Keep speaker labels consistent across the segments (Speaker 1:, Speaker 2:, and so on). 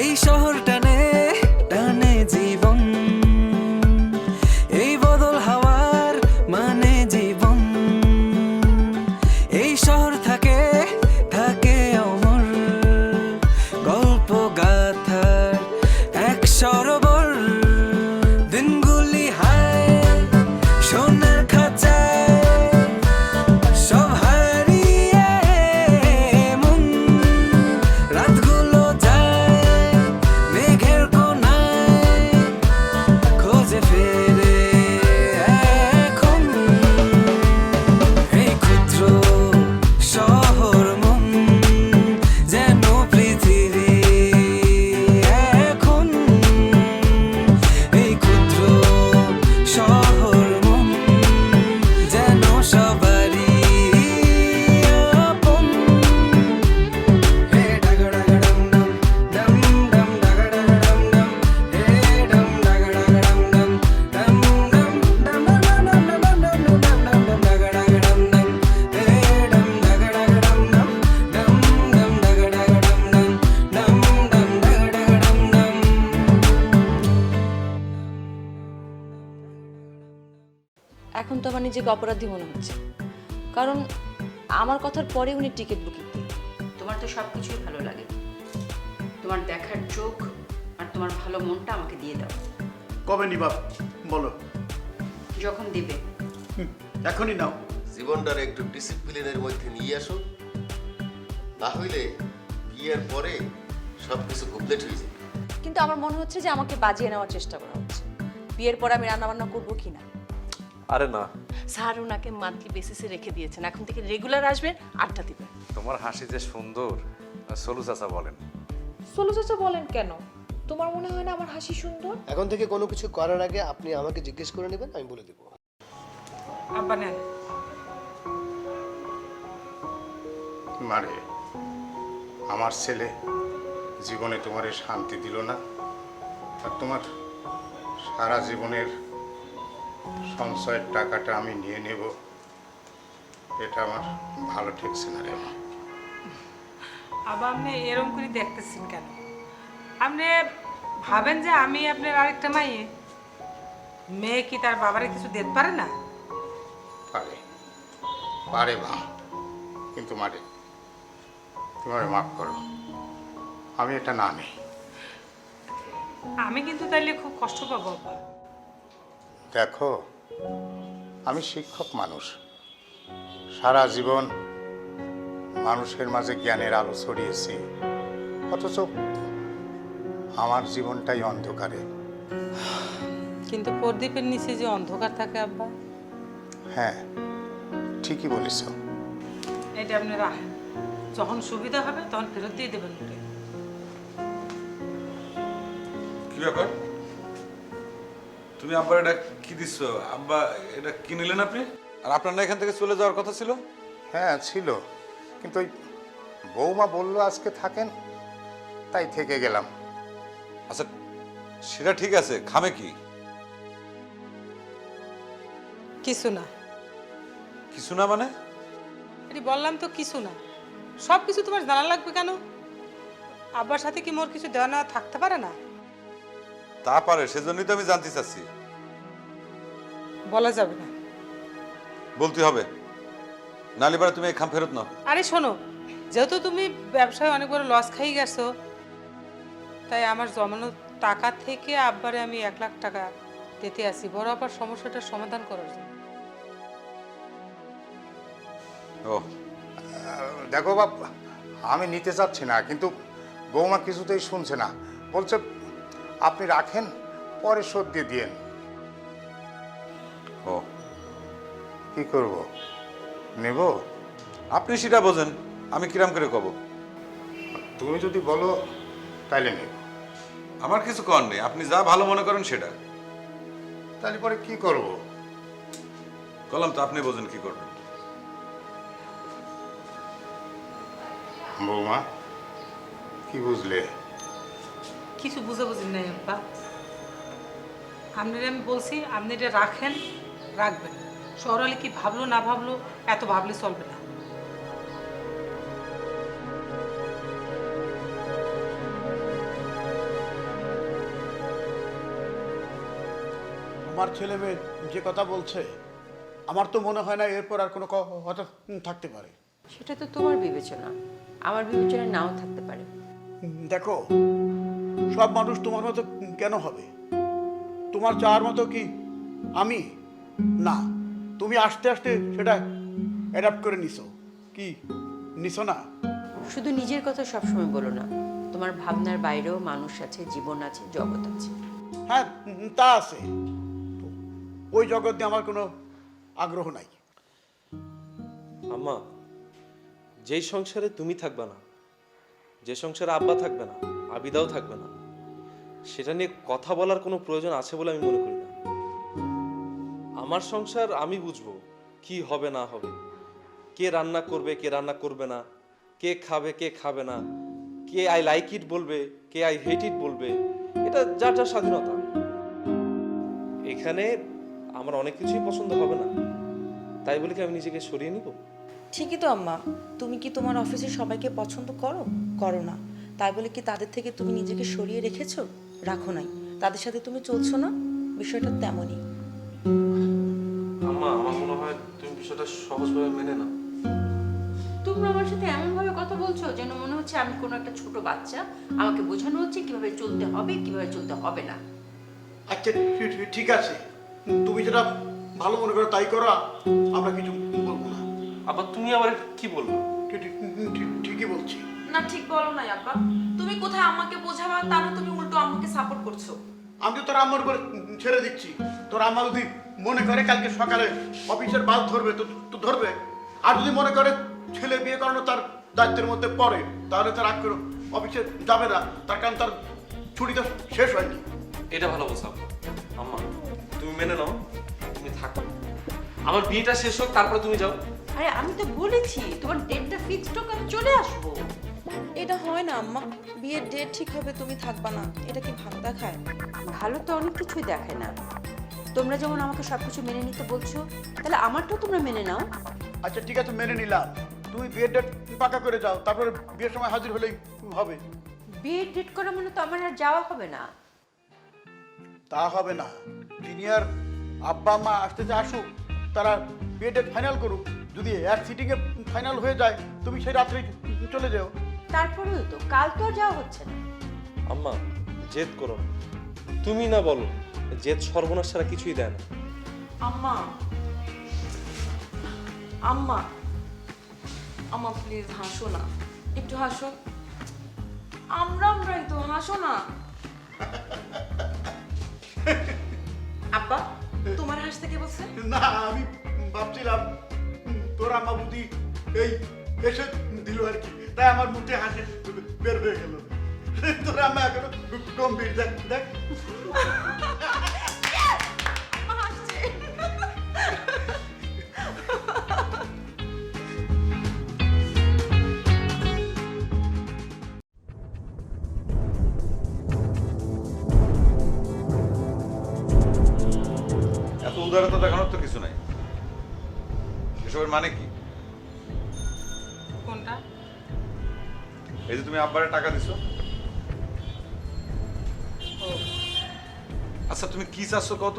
Speaker 1: এই শহর টানে টানে জীবন, এই বদল হাওয়ার মানে জীবন। এই শহর থাকে থাকে অমর, গল্প গাথার এক সরোবর। দিনগুলি হায় সোনার খাঁচায়, সব হারিয়ে মন। রাতগুলো যায় মেঘের কোনায়, খোঁজে ফেরে এখন এই ক্ষুদ্র শহর মন, যেন পৃথিবী এখন। এই ক্ষুদ্র শহর মন, যেন সবারই আপন। হে ডাগা ডাগা ডম ডম, ডম ডম ডাগা ডাগা ডম ডম, হে ডম ডাগা ডাগা ডম ডম, ডম ডম ডম ডম ডম ডম ডম ডম ডম ডম ডাগা ডাগা ডম ডম, হে ডম ডাগা ডাগা ডম ডম, ডম ডম ডাগা ডাগা ডম ডম, ডম ডম ডাগা ডাগা ডম ডম।
Speaker 2: এখন তো আমার নিজেকে অপরাধী মনে হচ্ছে, কারণ আমার কথার পরে উনি টিকিট বুকিং দিলেন।
Speaker 3: তোমার তো সব কিছুই ভালো লাগে, তোমার দেখার চোখ আর তোমার ভালো মনটা আমাকে দিয়ে দাও।
Speaker 4: কবে নিবা বলো?
Speaker 3: যখন দিবে।
Speaker 4: এখনই নাও।
Speaker 5: জীবনটার একটু ডিসিপ্লিনের মধ্যে নিয়ে আসো, না হইলে বিয়ের পরে সব কিছু কমপ্লিট হয়ে যাবে।
Speaker 2: কিন্তু আমার মনে হচ্ছে যে আমাকে বাজিয়ে নেওয়ার চেষ্টা করা হচ্ছে। বিয়ের পর আমি রান্নাবান্না করবো কিনা।
Speaker 6: আরে না,
Speaker 7: স্যার ওনাকে মান্থলি বেসিসে রেখে দিয়েছেন, এখন থেকে রেগুলার আসবেন, আড্ডা দিবেন।
Speaker 6: তোমার হাসি যে সুন্দর, সলু চাচা বলেন।
Speaker 8: সোলো চাচা বলেন কেন? তোমার মনে হয় না আমার হাসি সুন্দর?
Speaker 9: এখন থেকে কোনো কিছু করার আগে আপনি আমাকে জিজ্ঞেস করে নেবেন, আমি বলে দেবো।
Speaker 7: আব্বা নেন।
Speaker 4: মারে, আমার ছেলে জীবনে তোমার শান্তি দিল না, আর তোমার সারা জীবনের সঞ্চয়ের টাকাটা আমি নিয়ে নেব, এটা আমার ভালো ঠেকছে না রে মা।
Speaker 10: আবার আপনি এরকম করে দেখতেছেন কেন? আপনি ভাবেন যে আমি আপনার আরেকটা মাইয়ে? মেয়ে কি তার বাবারে কিছু দিতে পারে না?
Speaker 4: পারে পারে মা, কিন্তু মারে তুমি আমায় মাফ করো, আমি এটা না নেই।
Speaker 10: আমি কিন্তু তাইলে খুব কষ্ট পাবো বাবা।
Speaker 4: দেখো, আমি শিক্ষক মানুষ, সারা জীবন মানুষের মাঝে জ্ঞানের আলো ছড়িয়েছি, অথচ আমার জীবনটাই অন্ধকারে।
Speaker 10: কিন্তু প্রদীপের নিচে যে অন্ধকার থাকে আব্বা।
Speaker 4: হ্যাঁ, ঠিকই বলেছ।
Speaker 10: এটা আপনি রাখেন, যখন সুবিধা হবে তখন ফেরত দিয়ে দেবেন। ওটা
Speaker 11: কি ব্যাপার? তুমি আব্বার এটা কি দিচ্ছ? আব্বা এটা কি নিলেন আপনি? আর আপনার না এখান থেকে চলে যাওয়ার কথা ছিল?
Speaker 4: হ্যাঁ ছিল, কিন্তু ওই বৌমা বললো আজকে থাকেন, তাই থেকে গেলাম।
Speaker 11: আচ্ছা সেটা ঠিক আছে, খামে কি?
Speaker 10: কিছু না।
Speaker 11: কিছু না মানে?
Speaker 10: এটি বললাম তো কিছু না। সব কিছু তোমার জানা লাগবে কেন? আব্বার সাথে কি মোর কিছু দেওয়া নেওয়া থাকতে পারে না?
Speaker 11: তা পারে, সেজন্যই তো আমি জানতে চাচ্ছি।
Speaker 10: বলা যাবে না।
Speaker 11: বলতে হবে, নালে পারে তুমি এই খাম ফেরত নাও।
Speaker 10: আরে শোনো, যেহেতু তুমি ব্যবসায় অনেক বড় লস খাই গেছো, তাই আমার জমানো টাকা থেকে আব্বারে আমি 1 লাখ টাকা দিতে আসি, বড় আবার সমস্যাটার সমাধান করার জন্য।
Speaker 11: ও
Speaker 4: দেখো বাপ, আমি নিতে চাচ্ছি না, কিন্তু বৌমা কিছুতেই শুনছে না, বলছে আপনি রাখেন, পরে শোধ দিয়ে দিয়েন।
Speaker 11: ও
Speaker 4: কি করব, নেব?
Speaker 11: আপনি সেটা বোঝেন, আমি কিরাম করে কব?
Speaker 4: তুমি যদি বলো তাইলে নেব।
Speaker 11: আমার কিছু কর নেই, আপনি যা ভালো মনে করেন সেটা।
Speaker 4: তাহলে পরে কি করব?
Speaker 11: কলাম তো, আপনি বোঝেন কি করবেন।
Speaker 4: বৌমা, কি বুঝলে?
Speaker 10: কিছু বুঝে বুঝি নাই আব্বা। আপনারা আমি বলছি আপনি এটা রাখেন, রাখবেন। শহরালি কি ভাবলো না ভাবলো এত ভাবলে চলবে না।
Speaker 12: তোমার ছেলে মেয়ে যে কথা বলছে আমার তো মনে হয় না এরপর আর কোনো কথা থাকতে পারে।
Speaker 3: সেটা তো তোমার বিবেচনা, আমার বিবেচনা নাও থাকতে পারে।
Speaker 12: দেখো, সব মানুষ তোমার মতো কেন হবে? তোমার চাওয়ার মতো কি আমি? না, তুমি আস্তে আস্তে সেটা অ্যাডাপ্ট করে নিছো। কি নিছো না?
Speaker 3: শুধু নিজের কথা সবসময় বলো না, তোমার ভাবনার বাইরেও মানুষ আছে, জীবন আছে, জগৎ আছে।
Speaker 12: হ্যাঁ, তা আছে। ওই জগৎ নিয়ে আমার কোনো আগ্রহ নাই।
Speaker 6: আম্মা, যেই সংসারে তুমি থাকবে না, যে সংসারে আব্বা থাকবে না, আবিদাও থাকবে না, সেটা নিয়ে কথা বলার কোনো প্রয়োজন আছে বলে আমি মনে করি না। আমার সংসার আমি বুঝবো কি হবে না হবে, কে রান্না করবে কে রান্না করবে না, কে খাবে কে খাবে না, কে আই লাইক ইট বলবে কে আই হেট ইট বলবে, এটা যার যার স্বাধীনতা। এখানে আমার অনেক কিছুই পছন্দ হবে না, তাই বলে কি আমি নিজেকে সরিয়ে নিব?
Speaker 2: ঠিকই তো আম্মা, তুমি কি তোমার অফিসে সবাইকে পছন্দ করো? করো না। তাই বলে কি তাদের থেকে তুমি নিজেকে সরিয়ে রেখেছো? রাখো নাই। তাদের সাথে তুমি চলছো না, বিষয়টা তেমনই।
Speaker 6: আম্মা, আমার মনে হয় তুমি বিষয়টা সহজভাবে মেনে নাও।
Speaker 3: তোমরা আমার সাথে এমন ভাবে কথা বলছো যেন মনে হচ্ছে আমি কোনো একটা ছোট বাচ্চা, আমাকে বোঝানো হচ্ছে কিভাবে চলতে হবে কিভাবে চলতে হবে না।
Speaker 12: আচ্ছা, ঠিক আছে, তুমি যেটা ভালো মনে করো তাই করো, আমরা কিছু বলবো না।
Speaker 6: আবার তুমি আবার কি বলবো?
Speaker 12: ঠিকই বলছি।
Speaker 2: না, ঠিক বলো নাই আব্বা। তুমি কোথায় আমাকে বোঝাবা, তা না তুমি উল্টো আমাকে সাপোর্ট করছো।
Speaker 12: আমি তো তোর আম্মার উপর ছেড়ে দিচ্ছি। তোর আম্মা যদি মনে করে কালকে সকালে অফিসের বাস ধরবে তো ধরবে, আর যদি মনে করে ছেলে বিয়ে করানো তার দায়িত্বের মধ্যে পড়ে, তাহলে তার আগ করে অফিসে যাবে না, তার কারণ তার ছুটিটা শেষ হয়নি।
Speaker 6: এটা ভালো বলছো আম্মা, তুমি মেনে নাও, তুমি থাকো, আমার বিয়েটা শেষ হোক তারপরে তুমি যাও।
Speaker 3: আরে আমি তো বলেছি তোমার ডেটটা ফিক্সড হোক, আমি চলে আসবো।
Speaker 2: এটা হয় না আম্মা, বিয়ের ডেট ঠিক হবে তুমি থাকবা না, এটা কি ভালো দেখায়?
Speaker 3: ভালো তো অনেক কিছুই দেখায় না। তোমরা যেমন আমাকে সবকিছু মেনে নিতে বলছো, তাহলে আমারটাও তোমরা মেনে নাও।
Speaker 12: আচ্ছা ঠিক আছে, মেনে নিলাম। তুমি বিয়ের ডেট পাকা করে যাও, তারপরে বিয়ের সময় হাজির হলেই হবে।
Speaker 3: বিয়ের ডেট করা মানে তো আমার আর যাওয়া হবে না।
Speaker 12: তা হবে না, জিনিয়ার আব্বা আম্মা আসতে আসুক, তারা বিয়ের ডেট ফাইনাল করুক। যদি এক সিটিংয়ে ফাইনাল হয়ে যায়, তুমি সেই রাত্রে চলে যাও।
Speaker 3: তারপরেও তো কাল তো আর যাওয়া হচ্ছে না।
Speaker 6: আম্মা, জেদ করো না, তুমি না বলো, জেদ সর্বনাশ ছাড়া কিছুই দেয় না।
Speaker 2: আম্মা, আম্মা, আম্মা প্লিজ হাসো না, একটু হাসো। আমরাই তো, হাসো না। আব্বা, তোমার হাসতে কে বলছে?
Speaker 12: না, আমি ভাবছিলাম তোর আম্মা বুদ্ধি এই এসে দিল আর কি, তাই আমার মুখে হাসি বের হয়ে গেল। তোর আম্মা এখনো গম্ভীর, দেখ দেখ।
Speaker 11: এত উদারতা দেখানোর তো কিছু নাই। এসবের মানে কি?
Speaker 10: কোনটা?
Speaker 11: এই যে তুমি আব্বারে টাকা দিছো। আচ্ছা তুমি কি চাচ্ছ কত?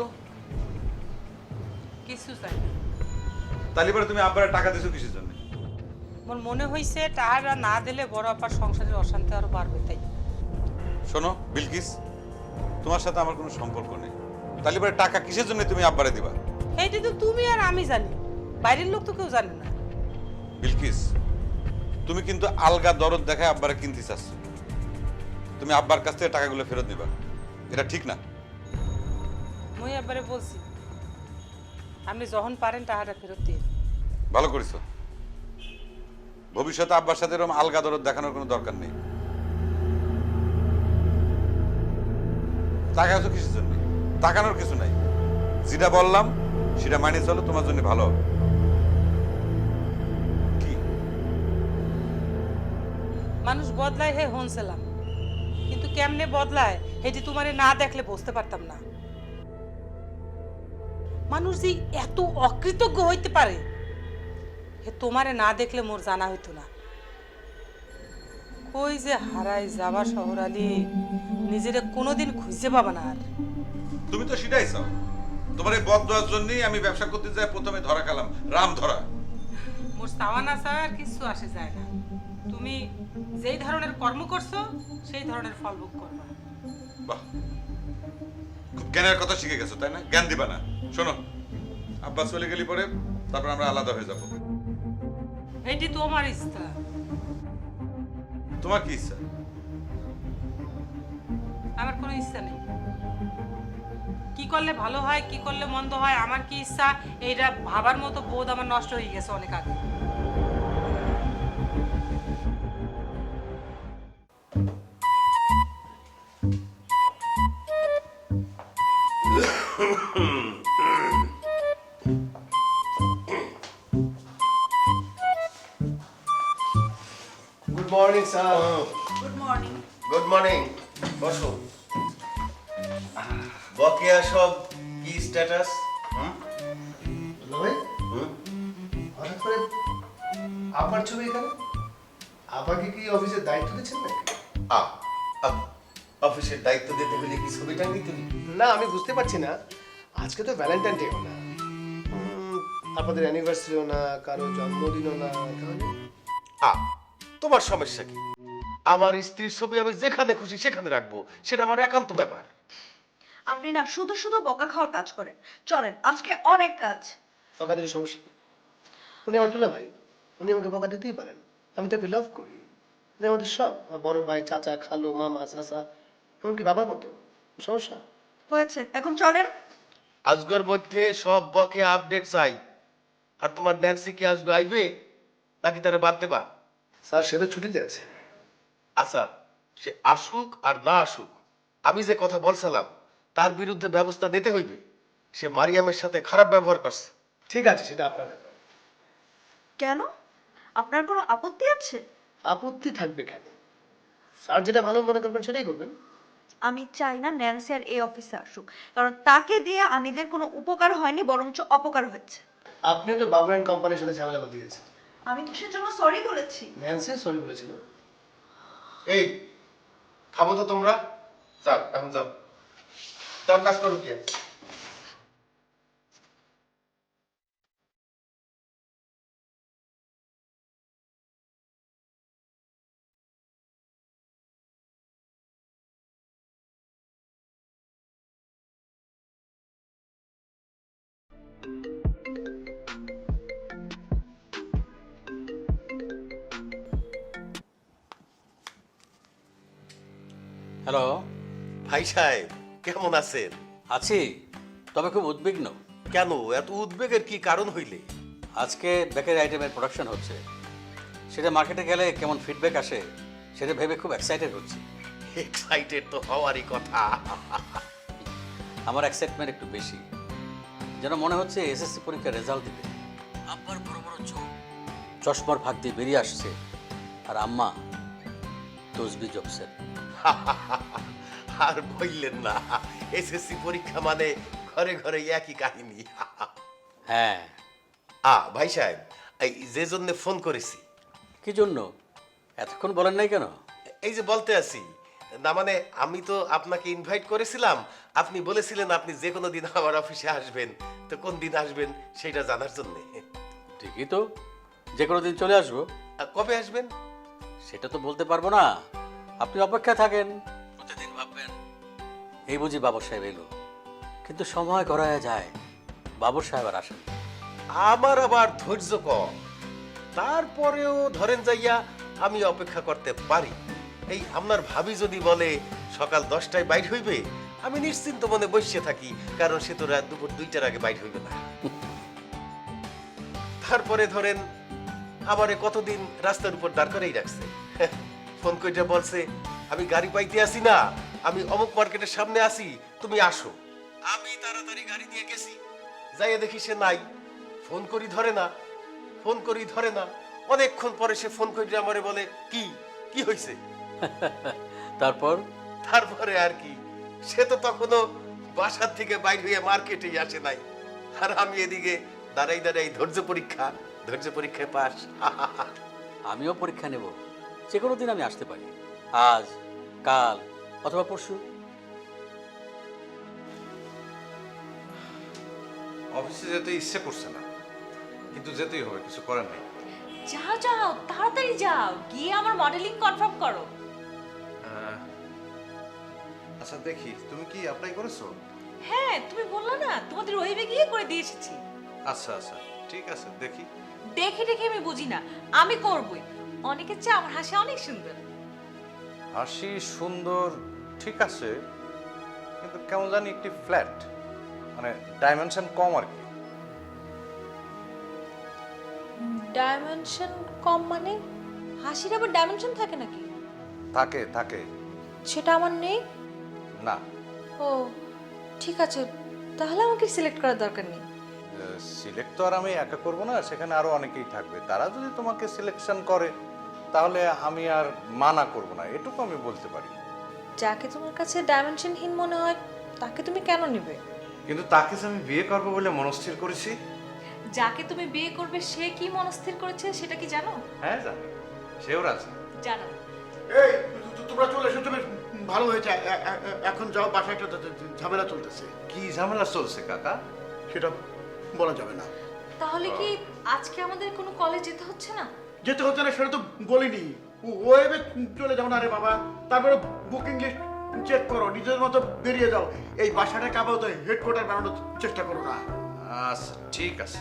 Speaker 10: কিছু চাই।
Speaker 11: তাহলে পরে তুমি আব্বারে টাকা দিছো কিসের জন্য?
Speaker 10: আমার মনে হয়েছে টাকা না দিলে বড় আপার সংসারের অশান্তি আরো বাড়বে, তাই।
Speaker 11: শোনো বিলকিস, তোমার সাথে আমার কোনো সম্পর্ক নেই। তাহলে পরে টাকা কিসের জন্য তুমি আব্বারে দিবা?
Speaker 10: এইটা তো তুমি আর আমি জানি, বাইরের লোক তো কেউ জানে না।
Speaker 11: বিলকিস, তুমি কিন্তু আলগা দরদ দেখায় আব্বারে কিনতে চাচ্ছ। তুমি আব্বার কাছ থেকে টাকাগুলো ফেরত দিবা, এটা ঠিক না।
Speaker 10: মই একবারে বলছি আপনি যখন পারেন টাকাটা ফেরত দিয়ে।
Speaker 11: ভালো করেছো। ভবিষ্যতে আব্বার সাথে এরকম আলগা দরদ দেখানোর কোনো দরকার নেই। তাকাচ্ছ কিসের জন্য? তাকানোর কিছু নাই। যেটা বললাম সেটা মানিয়ে চলো, তোমার জন্য ভালো হবে। কি
Speaker 10: মানুষ বদলায় হে হনছিলাম, কিন্তু কেমনে বদলায় এটি তোমারে না দেখলে বুঝতে পারতাম না। মানুষ যে এত অকৃতজ্ঞ হইতে পারে হে তোমারে না দেখলে মোর জানা হইতো না। কই যে হারাই যাবা শহরালি, নিজেরে কোনোদিন খুঁজে পাবা না আর।
Speaker 11: তুমি তো সেটাই চাও, তোমার এই বদ দেওয়ার জন্যই আমি ব্যবসা করতে যাই প্রথমে ধরা খেলাম, রাম ধরা।
Speaker 10: মোর চাওয়া না চাওয়া আর কিছু আসে যায় না। তুমি যেই ধরনের কর্ম করছো সেই ধরনের ফল ভোগ করবা।
Speaker 11: বাহ, খুব জ্ঞানের কথা শিখে গেছো তাই না? জ্ঞান দিবা না। শোনো, আব্বা চলে গেলি পরে তারপর আমরা আলাদা হয়ে যাব।
Speaker 10: এটি তোমার ইচ্ছা।
Speaker 11: তোমার কি ইচ্ছা?
Speaker 10: আমার কোনো ইচ্ছা নেই। কি করলে ভালো হয়, কি করলে মন্দ হয়, আমার কি ইচ্ছা, এইটা ভাবার মতো বোধ আমার নষ্ট হয়ে গেছে অনেক আগে।
Speaker 9: Good morning sir.
Speaker 5: Good morning, বসো। বকেয়া সব কি স্ট্যাটাস?
Speaker 9: ভাই হঠাৎ করে আপার ছবি এখানে, আপাকে কি অফিসের দায়িত্ব দিচ্ছেন নাকি?
Speaker 5: অফিসের দায়িত্ব দিতে হলে কি ছবি টাঙ্গি তুমি?
Speaker 9: না আমি বুঝতে পারছি না, আজকে তো ভ্যালেন্টাইন ডেও না, আপনাদের অ্যানিভার্সারিও না, কারো জন্মদিনও না, তাহলে
Speaker 5: তোমার সমস্যা কি? আমার স্ত্রীর ছবি আমি যেখানে খুশি সেখানে রাখবো, সেটা আমার একান্ত ব্যাপার।
Speaker 13: আপনি না শুধু শুধু বকা খাওয়ার কাজ করেন। চলেন, আজকে অনেক কাজ।
Speaker 9: বকা দিলে সমস্যা কি? উনি আমার দুলা ভাই, উনি আমাকে বকা দিতেই পারেন। আমি তাকে লাভ করি, উনি আমাদের সব, আমার বড় ভাই, চাচা, খালু, মামা, চাচা, এমনকি বাবার মতো। সমস্যা
Speaker 13: হয়েছে, এখন চলেন।
Speaker 5: আজকের মধ্যে সব বকে আপডেট চাই। আর তোমার ন্যান্সি কি আজকে আইবে নাকি তারা বাদ দেবা?
Speaker 9: স্যার সে তো ছুটিতে আছে।
Speaker 5: আচ্ছা, সে আসুক আর না আসুক, আমি যে কথা বলছিলাম তার বিরুদ্ধে ব্যবস্থা নিতে হইবে। সে মারিয়ামের সাথে খারাপ ব্যবহার করছে।
Speaker 9: ঠিক আছে, সেটা আপনার ব্যাপার।
Speaker 13: কেন? আপনার কোনো আপত্তি আছে?
Speaker 9: আপত্তি থাকবে কেন? স্যার যেটা ভালো মনে করবেন সেটাই করবেন।
Speaker 13: আমি চাই না ন্যান্সি আর এই অফিসে আসুক, কারণ তাকে দিয়ে আনিদের কোনো উপকার হয়নি, বরঞ্চ অপকার হয়েছে।
Speaker 9: আপনিও তো বাবু অ্যান্ড কোম্পানির সাথে ঝামেলা করে দিয়েছেন।
Speaker 13: আমি তো সেজন্য সরি বলেছি।
Speaker 9: ন্যান্সি সরি বলেছিল।
Speaker 5: এই খাবো তো তোমরা, যাও এখন যাও, তার কাজ করো কি?
Speaker 14: হ্যালো।
Speaker 5: ভাই সাহেব কেমন আছেন?
Speaker 14: আছি, তবে খুব উদ্বিগ্ন।
Speaker 5: কেন এত উদ্বেগের কি কারণ হইলে?
Speaker 14: আজকে বেকারি আইটেমের প্রোডাকশন হচ্ছে, সেটা মার্কেটে গেলে কেমন ফিডব্যাক আসে সেটা ভেবে খুব এক্সাইটেড হচ্ছি।
Speaker 5: এক্সাইটেড তো হওয়ারই কথা।
Speaker 14: আমার এক্সাইটমেন্ট একটু বেশি, যেন মনে হচ্ছে এসএসসি পরীক্ষার রেজাল্ট দিবে। আব্বার বড় বড় চোখ চশমার ফাঁক দিয়ে বেরিয়ে আসছে, আর আম্মা তসবি জপসেন।
Speaker 5: আর বললেন না, এসএসসি পরীক্ষা মানে ঘরে ঘরে একই কাহিনী।
Speaker 14: হ্যাঁ।
Speaker 5: ভাই সাহেব, এই যে জন্য ফোন করেছি।
Speaker 14: কি জন্য? এতক্ষণ বলেন নাই কেন?
Speaker 5: এই যে বলতে আছি না, মানে আমি তো আপনাকে ইনভাইট করেছিলাম, আপনি বলেছিলেন আপনি যে কোনো দিন আমার অফিসে আসবেন, তো কোন দিন আসবেন সেটা জানার জন্য।
Speaker 14: ঠিকই তো, যে কোনো দিন চলে আসবো।
Speaker 5: কবে আসবেন
Speaker 14: সেটা তো বলতে পারবো না, আপনি অপেক্ষায় থাকেন। প্রতিদিন ভাববেন এই বুঝি বাবর সাহেব এলো, কিন্তু সময় গড়ায় যায়, বাবর সাহেব আর আসেন।
Speaker 5: আমার আবার ধৈর্য কম, তারপরেও ধরেন যাইয়া আমি অপেক্ষা করতে পারি। এই আপনার ভাবি যদি বলে সকাল 10টায় বাইর হইবে, আমি নিশ্চিন্ত মনে বসে থাকি, কারণ সে তো রাত দুপুর 2টার আগে বাইর হইবে না। তারপরে ধরেন আমারে কতদিন রাস্তার উপর দাঁড় করেই রাখছে, ফোন কইটা বলছে আমি গাড়ি পাইতে আসি না, আমি অমুক মার্কেটের সামনে আসি, তুমি আসো। আমি তাড়াতাড়ি গাড়ি নিয়ে গেছি, যাইয়া দেখি সে নাই। ফোন করি ধরে না, ফোন করি ধরে না। অনেকক্ষণ পরে সে ফোন করে আমারে বলে কি কি হয়েছে। তারপরে আর কি, সে তো তখনও বাসার থেকে বাইর হইয়া মার্কেটেই আসে নাই, আর আমি এদিকে দাঁড়াই দাঁড়াই ধৈর্য পরীক্ষায় পাস।
Speaker 14: আমিও পরীক্ষা নেব, যে কোনো দিন আমি আসতে পারি, আজ, কাল অথবা পরশু।
Speaker 11: অফিসে যেতে ইচ্ছে করছে না, কিন্তু যেতেই হবে, কিছু করার নেই।
Speaker 3: যাও যাও, তাড়াতাড়ি যাও, গিয়ে আমার মডেলিং কনফার্ম করো।
Speaker 11: আচ্ছা দেখি, তুমি কি অ্যাপ্লাই করেছো?
Speaker 3: হ্যাঁ, তুমি বললা না তোমাদের ওয়েবে গিয়ে করে দিয়ে এসেছি।
Speaker 11: আচ্ছা আচ্ছা, ঠিক আছে, দেখি।
Speaker 3: দেখে দেখে আমি বুঝি না, আমি করবই। অনেকের চেয়ে আমার হাসি অনেক সুন্দর।
Speaker 4: হাসি সুন্দর ঠিক আছে, কিন্তু কেমন জানি একটি ফ্ল্যাট, মানে ডাইমেনশন কম আর কি।
Speaker 8: ডাইমেনশন কম মানে? হাসির আবার ডাইমেনশন থাকে নাকি?
Speaker 4: থাকে থাকে।
Speaker 8: সেটা আমার নেই।
Speaker 4: না,
Speaker 8: ও ঠিক আছে, তাহলে আমাকে সিলেক্ট করার দরকার নেই।
Speaker 4: সিলেক্ট তো আর আমি একা করব না, সেখানে আরো অনেকেই থাকবে। তারা যদি তোমাকে সিলেকশন করে তাহলে আমি আর মানা করব না, এটুকু আমি বলতে পারি।
Speaker 8: যাকে তোমার কাছে ডাইমেনশনহীন মনে হয় তাকে তুমি কেন নেবে?
Speaker 11: কিন্তু তাকে যে আমি বিয়ে করবো বলে মনস্থির করেছি।
Speaker 3: যাকে তুমি বিয়ে করবে সে কি মনস্থির করেছে সেটা কি জানো?
Speaker 11: হ্যাঁ জানি, সেও রাজি।
Speaker 3: জানো।
Speaker 12: এই তোমরা চলে এসেছো, বেশ ভালো হয়েছে। এখন যাও, বাসায় একটা ঝামেলা চলতেছে।
Speaker 11: কি ঝামেলা চলছে কাকা?
Speaker 12: সেটা বলা যাবে না।
Speaker 3: তাহলে কি আজকে আমাদের কোনো কলেজ যেতে হচ্ছে না?
Speaker 12: যেতে হচ্ছে না সেটা তো বলিনি। ওয়েবে চলে যাও না রে বাবা, তারপরে বুকিং লিস্ট চেক করো, নিজের মতো বেরিয়ে যাও। এই বাসাটাকে আপাতত হেডকোয়ার্টার বানানোর চেষ্টা করো না।
Speaker 11: আচ্ছা ঠিক আছে।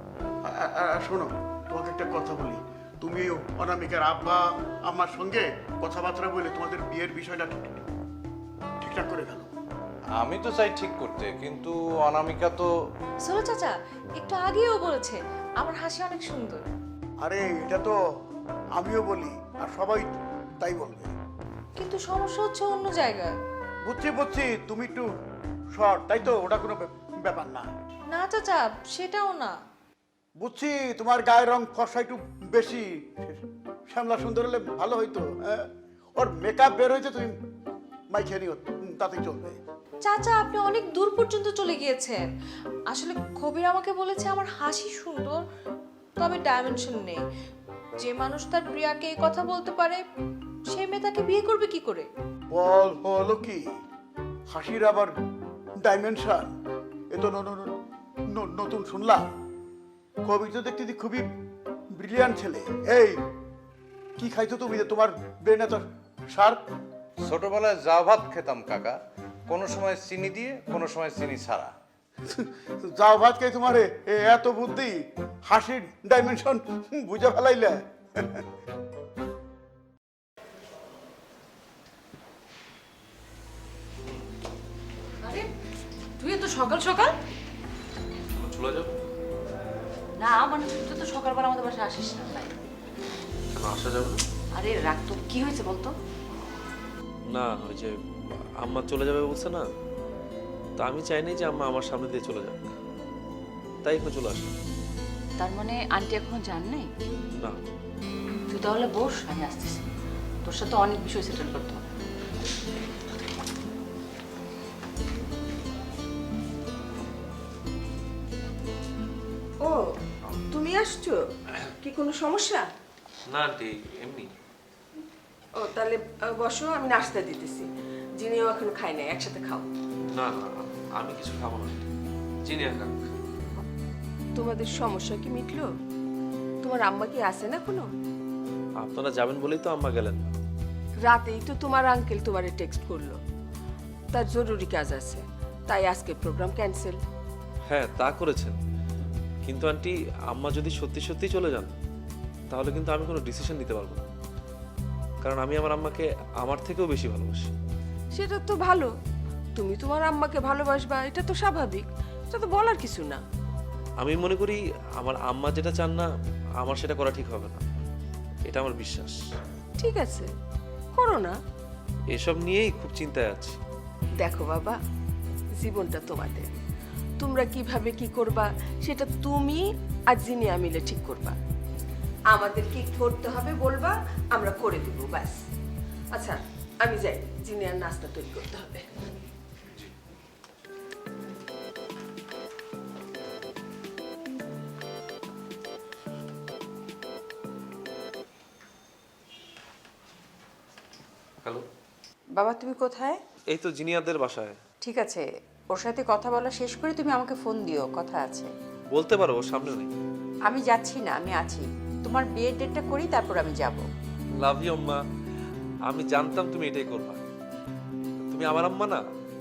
Speaker 12: শোনো, তোমাকে একটা কথা বলি। তুমি অনামিকার আব্বা আমার সঙ্গে কথাবার্তা বলে তোমাদের বিয়ের বিষয়টা ঠিকঠাক করে গেল।
Speaker 4: আমি তো চাই ঠিক করতে, কিন্তু অনামিকা তো।
Speaker 8: সোলো চাচা একটু আগেও বলেছে আমার হাসি অনেক সুন্দর।
Speaker 12: আরে এটা তো আমিও বলি, আর সবাই তাই বলবে।
Speaker 8: কিন্তু সমস্যা হচ্ছে অন্য জায়গায়।
Speaker 12: বুঝছি বুঝছি, তুমি একটু শর্ট, তাই তো? ওটা কোনো ব্যাপার না।
Speaker 8: না চাচা, সেটাও না।
Speaker 12: বুঝছি তোমার গায়ের রং ফর্সা একটু বেশি। শ্যামলা সুন্দর হলে ভালো হইতো। হ্যাঁ, ওর মেকআপ বের হয়েছে, তুমি মাইখে নিও, তাতেই চলবে।
Speaker 8: চাচা আপনি অনেক দূর পর্যন্ত চলে গিয়েছেন। আসলে কবির আমাকে বলেছে আমার হাসি সুন্দর, তবে ডাইমেনশন নেই। যে মানুষ তার প্রিয়াকে এই কথা বলতে পারে সে মেয়ে তাকে বিয়ে করবে কি করে?
Speaker 12: বলো কি, হাসির আবার ডাইমেনশন? এ তো নতুন শুনলাম। কবি তো দেখতে খুবই ব্রিলিয়ান্ট ছেলে। এই কি খাইছো তুমি যে তোমার ব্রেন এত শার্প?
Speaker 4: ছোটবেলায় যা ভাত খেতাম কাকা, কোনো সময় চিনি দিয়ে, কোনো সময় চিনি ছাড়া।
Speaker 12: যাও ভাত খাই তোমার এত বুদ্ধি, হাসির ডাইমেনশন বুঝে ফেলাইলে।
Speaker 3: আরে তুই তো সকাল সকাল।
Speaker 6: চলে যাও।
Speaker 3: না মানে তুই তো সকালবেলা আমাদের বাসায় আসিস না, তাই।
Speaker 6: কেন আসা যাবে না?
Speaker 3: আরে রাগ তো, কি হয়েছে বলতো?
Speaker 6: না, ওই যে আম্মা চলে যাবে বলছে না, তো আমি চাইনি যে আম্মা আমার সামনে দিয়ে চলে যাক, তাই একটু চলে আসলাম।
Speaker 3: তার মানে আন্টি এখনো জান নাই?
Speaker 6: না।
Speaker 3: তুই তাহলে বস, আমি আসতেছি। তোর সাথে অনেক বিষয় সেটেল করতে হবে।
Speaker 2: ও তুমি আসছো, কি কোনো সমস্যা?
Speaker 6: না আন্টি, এমনি।
Speaker 2: ও তাহলে বসো, আমি নাস্তা দিতেছি। জিনিও এখন খাই নাই, একসাথে খাও।
Speaker 6: না না, আমি কিছু খাবো না আন্টি, চিনি খাক।
Speaker 2: তোমাদের সমস্যা কি মিটলো? তোমার আম্মা কি আসে না কোনো?
Speaker 6: আপনারা যাবেন বলেই তো আম্মা গেলেন না।
Speaker 2: রাতেই তো তোমার আঙ্কেল তোমারে টেক্সট করলো, তার জরুরি কাজ আছে, তাই আজকে প্রোগ্রাম ক্যান্সেল।
Speaker 6: হ্যাঁ তা করেছেন, কিন্তু আন্টি আম্মা যদি সত্যি সত্যি চলে যান তাহলে কিন্তু আমি কোনো ডিসিশন নিতে পারবো না, কারণ আমি আমার আম্মাকে আমার থেকেও বেশি ভালোবাসি।
Speaker 2: সেটা তো ভালো, তুমি তোমার আম্মাকে ভালোবাসবা, এটা তো স্বাভাবিক, এটা তো বলার কিছু না।
Speaker 6: আমি মনে করি আমার আম্মা যেটা চান না আমার সেটা করা ঠিক হবে না, এটা আমার বিশ্বাস।
Speaker 2: ঠিক আছে, করো না।
Speaker 6: এসব নিয়েই খুব চিন্তায় আছি।
Speaker 2: দেখো বাবা, জীবনটা তোমাদের, তোমরা কিভাবে কি করবা সেটা তুমি আর জিনিয়া মিলে ঠিক করবা। আমাদের কি করতে হবে বলবা, আমরা করে দেবো, ব্যাস। আচ্ছা আমি যাই, জিনিয়ার নাস্তা তৈরি করতে হবে।
Speaker 6: হ্যালো
Speaker 2: বাবা তুমি কোথায়?
Speaker 6: এই তো জিনিয়াদের বাসায়।
Speaker 2: ঠিক আছে,
Speaker 3: ওর সাথে কথা বলা শেষ করে তুমি আমাকে ফোন দিও, কথা আছে।
Speaker 6: বলতে পারো ও সামনে নেই।
Speaker 3: আমি যাচ্ছি না, আমি আছি। তোমার বিয়ের ডেটটা করি, তারপর আমি যাব।
Speaker 6: লাভ ইউ আম্মা। আমি জানতাম তুমি এটাই করবা। তুমি আমার আম্মা না,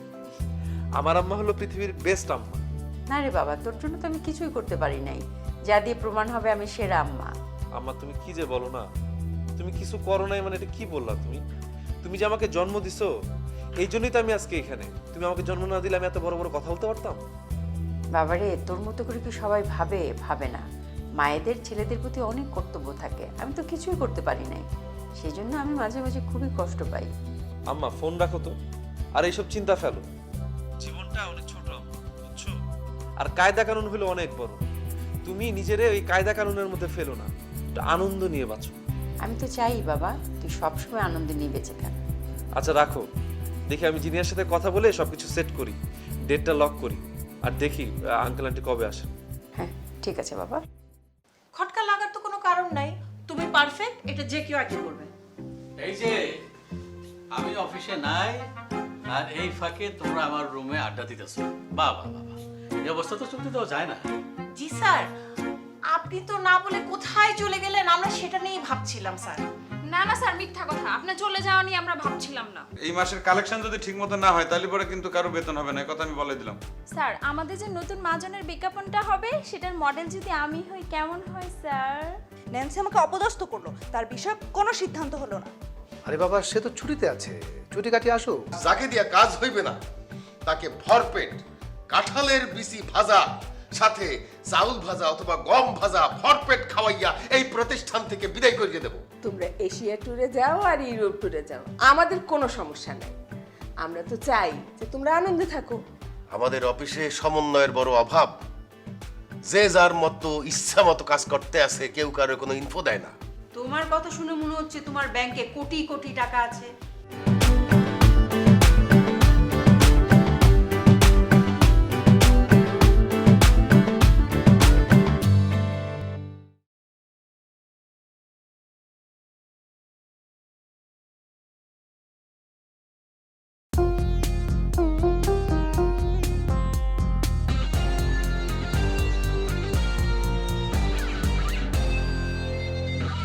Speaker 6: আমার আম্মা হলো পৃথিবীর বেস্ট আম্মা।
Speaker 3: না রে বাবা, তোর জন্য তো আমি কিছুই করতে পারি নাই, যা দিয়ে প্রমাণ হবে আমি সেরা আম্মা।
Speaker 6: আম্মা তুমি কি যে বলো না, তুমি কিছু করো নাই মানে এটা কি বললা তুমি? তুমি যে আমাকে জন্ম দিছো, এই জন্যই তো আমি আজকে এখানে। তুমি আমাকে জন্ম না দিলে আমি এত বড় বড় কথা বলতে পারতাম?
Speaker 3: বাবারে, তোর মতো করে কি সবাই ভাবে? ভাবে না। মায়েদের ছেলেদের প্রতি অনেক কর্তব্য থাকে, আমি তো কিছুই করতে পারি নাই, সেই জন্য আমি মাঝে মাঝে খুবই কষ্ট পাই।
Speaker 6: আম্মা ফোন রাখো তো, আর এইসব চিন্তা ফেলো। জীবনটা অনেক ছোট আম্মা, বুঝছো? আর কায়দা কানুন হলো অনেক বড়। তুমি নিজেরে ওই কায়দা কানুনের মধ্যে ফেলো না, একটু আনন্দ নিয়ে বাঁচো।
Speaker 3: আমি তো চাই বাবা তুই সবসময় আনন্দ নিয়ে বেঁচে থাক।
Speaker 6: আচ্ছা রাখো, দেখি আমি জিনিয়ার সাথে কথা বলে সবকিছু সেট করি, ডেটটা লক করি, আর দেখি আঙ্কেল আন্টি কবে আসেন।
Speaker 3: হ্যাঁ ঠিক আছে বাবা।
Speaker 7: খটকা লাগার তো কোনো কারণ নাই, তুমি পারফেক্ট, এটা যে কেউ আগে করবে।
Speaker 14: এই যে আমি অফিসে নাই, আর এই ফাঁকে তোমরা আমার রুমে আড্ডা দিতেছো। বাবা বাবা, এই অবস্থা তো চলতে দেওয়া যায় না।
Speaker 7: জি স্যার, আপনি তো না বলে কোথায় চলে গেলেন, আমরা সেটা নিয়েই ভাবছিলাম স্যার।
Speaker 8: না না স্যার, মিথ্যা কথা, আপনার চলে যাওয়া নিয়ে আমরা ভাবছিলাম না।
Speaker 11: এই মাসের কালেকশন যদি ঠিক মতো না হয় তাহলে পরে কিন্তু কারো বেতন হবে না, এই কথা আমি বলে দিলাম।
Speaker 8: স্যার, আমাদের যে নতুন মাজনের বিজ্ঞাপনটা হবে সেটার মডেল যদি আমি হই কেমন হয় স্যার?
Speaker 13: ন্যান্সি আমাকে অপদস্থ করলো, তার বিষয়ে কোনো সিদ্ধান্ত হলো না।
Speaker 9: আরে বাবা, সে তো ছুটিতে আছে, ছুটি কাটিয়ে আসুক।
Speaker 5: যাকে দিয়া কাজ হইবে না তাকে ভরপেট কাঁঠালের বিচি ভাজা সাথে চাউল ভাজা অথবা গম ভাজা ভরপেট খাওয়াইয়া এই প্রতিষ্ঠান থেকে বিদায় করিয়ে দেব।
Speaker 2: তোমরা এশিয়া ট্যুরে যাও আর ইউরোপ ট্যুরে যাও, আমাদের কোনো সমস্যা নেই। আমরা তো চাই যে তোমরা আনন্দে থাকো।
Speaker 5: আমাদের অফিসে সমন্বয়ের বড় অভাব। যে যার মতো ইচ্ছা মতো কাজ করতে আছে, কেউ কারো কোনো ইনফো দেয় না।
Speaker 3: তোমার কথা শুনে মনে হচ্ছে তোমার ব্যাংকে কোটি কোটি টাকা আছে।